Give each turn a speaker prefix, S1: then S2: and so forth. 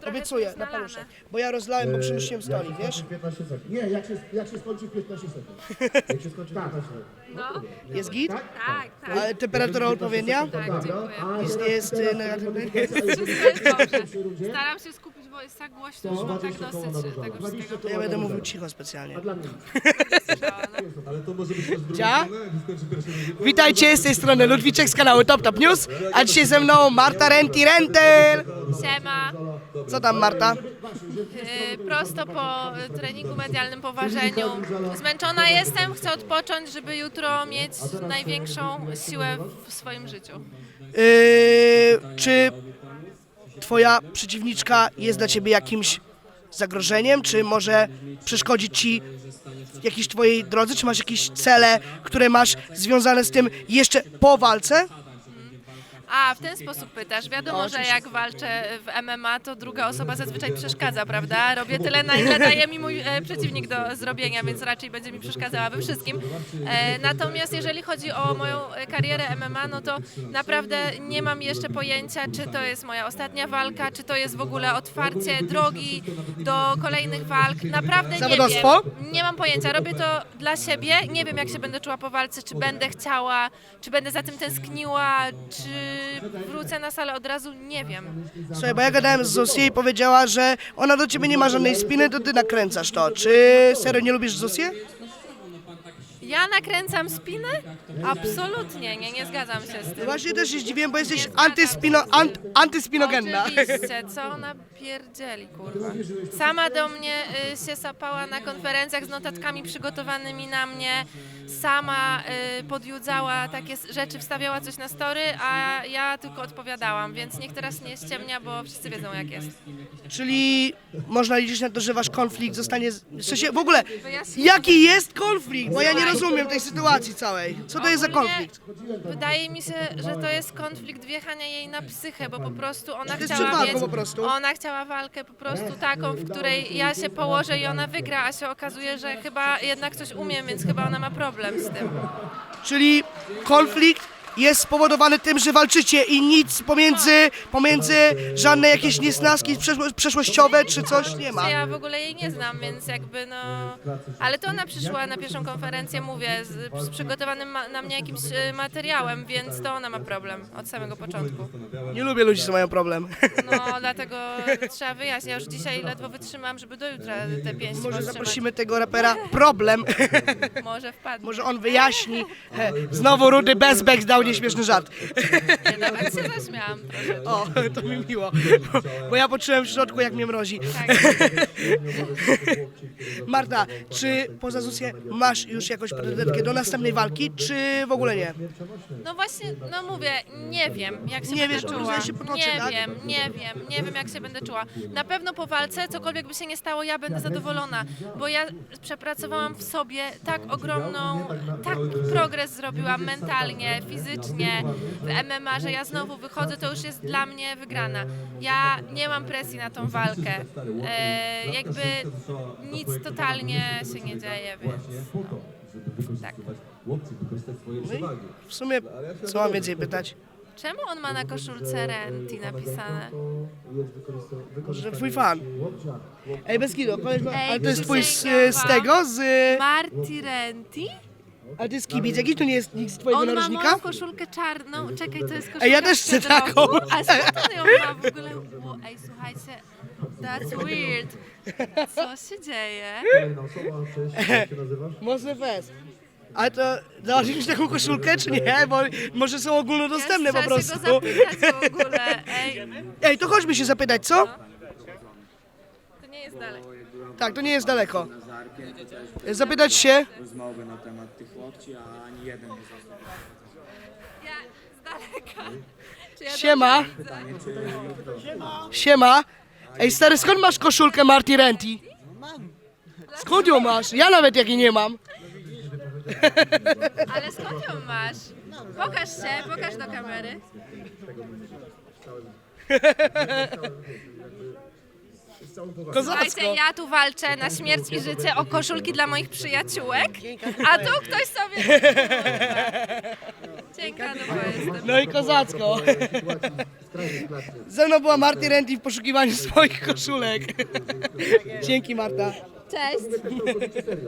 S1: Obiecuję, na paluszek. Bo ja rozlałem, bo przynosiłem stolik, wiesz?
S2: 15 sekund. Nie, jak się skończy 15 sekund. Jak się skończy 15 sekund.
S3: No,
S1: Jest git?
S3: tak.
S1: Ale temperatura odpowiednia?
S3: Tak, dziękuję.
S1: Jest negatywny?
S3: Wszystko jest dobrze. Staram się skupić, bo jest tak głośno, że mam tak dosyć tego wszystkiego.
S1: To ja będę mówił cicho specjalnie.
S4: Ale to może być też
S1: Cia?
S4: jak skończy pierwszy rundzie.
S1: Witajcie, z tej strony Ludwiczek z kanału Top Top News, a dzisiaj ze mną Marta Renty-Rentel.
S3: Siema.
S1: Co tam, Marta?
S3: Prosto po treningu medialnym, po ważeniu. Zmęczona jestem, chcę odpocząć, żeby jutro mieć największą siłę w swoim życiu.
S1: Czy twoja przeciwniczka jest dla ciebie jakimś zagrożeniem, czy może przeszkodzić ci w jakiejś twojej drodze, czy masz jakieś cele, które masz związane z tym jeszcze po walce?
S3: A, w ten sposób pytasz. Wiadomo, że jak walczę w MMA, to druga osoba zazwyczaj przeszkadza, prawda? Robię tyle, na ile daje mi mój przeciwnik do zrobienia, więc raczej będzie mi przeszkadzała we wszystkim. Natomiast jeżeli chodzi o moją karierę MMA, no to naprawdę nie mam jeszcze pojęcia, czy to jest moja ostatnia walka, czy to jest w ogóle otwarcie drogi do kolejnych walk. Naprawdę nie
S1: Zawodowstwo?
S3: wiem. Nie mam pojęcia. Robię to dla siebie. Nie wiem, jak się będę czuła po walce, czy będę chciała, czy będę za tym tęskniła, czy wrócę na salę od razu, nie wiem.
S1: Słuchaj, bo ja gadałem z Zosią i powiedziała, że ona do ciebie nie ma żadnej spiny, to ty nakręcasz to. Czy serio nie lubisz Zosię?
S3: Ja nakręcam spinę? Absolutnie, nie zgadzam się z tym.
S1: Właśnie też się zdziwiłem, bo jesteś
S3: zgadzam
S1: antyspinogenna.
S3: Oczywiście, co ona pierdzieli, kurwa. Sama do mnie się sapała na konferencjach z notatkami przygotowanymi na mnie, sama podjudzała takie rzeczy, wstawiała coś na story, a ja tylko odpowiadałam, więc niech teraz nie ściemnia, bo wszyscy wiedzą, jak jest.
S1: Czyli można liczyć na to, że wasz konflikt zostanie... W sensie, w ogóle, jaki jest konflikt? Bo ja nie rozumiem tej sytuacji całej. Co to jest za
S3: Ogólnie
S1: konflikt?
S3: Wydaje mi się, że to jest konflikt wjechania jej na psychę, bo po prostu ona
S1: jest
S3: chciała
S1: przed walką
S3: mieć,
S1: po prostu.
S3: ona chciała walkę po prostu taką, w której ja się położę i ona wygra, a się okazuje, że chyba jednak coś umiem, więc chyba ona ma problem z tym.
S1: Czyli konflikt jest spowodowany tym, że walczycie i nic pomiędzy żadne jakieś niesnaski przeszłościowe czy coś nie ma.
S3: Ja w ogóle jej nie znam, więc jakby no... Ale to ona przyszła na pierwszą konferencję, mówię, z przygotowanym na mnie jakimś materiałem, więc to ona ma problem od samego początku.
S1: Nie lubię ludzi, co mają problem.
S3: No, dlatego trzeba wyjaśnić. Ja już dzisiaj ledwo wytrzymałam, żeby do jutra te pięści
S1: Może
S3: powstrzymać.
S1: zaprosimy tego rapera Problem.
S3: Może wpadnie.
S1: Może on wyjaśni. Znowu Rudy Bezbek dał nieśmieszny żart.
S3: Nie, nawet się zaśmiałam trochę.
S1: O, to mi miło. Bo ja poczułem w środku, jak mnie mrozi.
S3: Tak.
S1: Marta, czy poza Zusię masz już jakąś pretendentkę do następnej walki, czy w ogóle nie?
S3: No właśnie, no mówię, nie wiem, jak się
S1: Nie
S3: będę
S1: wiesz,
S3: czuła.
S1: rozumiem, się potoczy, tak?
S3: Nie wiem, jak się będę czuła. Na pewno po walce, cokolwiek by się nie stało, ja będę zadowolona, bo ja przepracowałam w sobie tak ogromną, tak progres zrobiłam mentalnie, fizycznie, w MMA, że ja znowu wychodzę, to już jest dla mnie wygrana. Ja nie mam presji na tą walkę. Jakby nic totalnie się nie dzieje, więc tak.
S1: W sumie, co mam więcej pytać?
S3: Czemu on ma na koszulce Renti napisane?
S1: Że twój fan. Ej, bez kidu, koleś ma...
S3: Ej,
S1: Ale to jest twój
S3: przysięgam
S1: z tego, z...
S3: Marty Renti?
S1: Ale to jest kibic jakiś, to nie jest nikt z twojego
S3: On ma
S1: narożnika?
S3: moją koszulkę czarną. Czekaj, to jest koszulka
S1: Ej, ja też chcę
S3: sprzed roku?
S1: taką.
S3: A skąd on ją ma w ogóle? Ej, słuchajcie, that's weird. Co się dzieje?
S2: Jak się nazywasz?
S1: Mocny fest. Ale to założysz taką koszulkę, czy nie? Bo może są ogólnodostępne po
S3: Trzeba się
S1: prostu.
S3: go zapytać w ogóle. Ej,
S1: Ej, to chodźmy się zapytać, co?
S3: to nie jest dalej.
S1: Tak, to nie jest daleko. Zapytać się.
S5: Rozmowy na temat tych łokci, a ani jeden nie został.
S3: Ja z daleka. Czy ja
S1: Siema.
S3: dobrze widzę?
S1: Siema. Ej, stary, skąd masz koszulkę Marty Renty? Skąd ją masz? Ja nawet jakiej nie mam.
S3: Ale skąd ją masz? Pokaż się, pokaż do kamery.
S1: Kozacko.
S3: Słuchajcie, ja tu walczę na śmierć i życie o koszulki dla moich przyjaciółek, a tu ktoś sobie... Dzięka, no bo jestem.
S1: No i kozacko. Ze mną była Marty Randy w poszukiwaniu swoich koszulek. Dzięki, Marta.
S6: Cześć!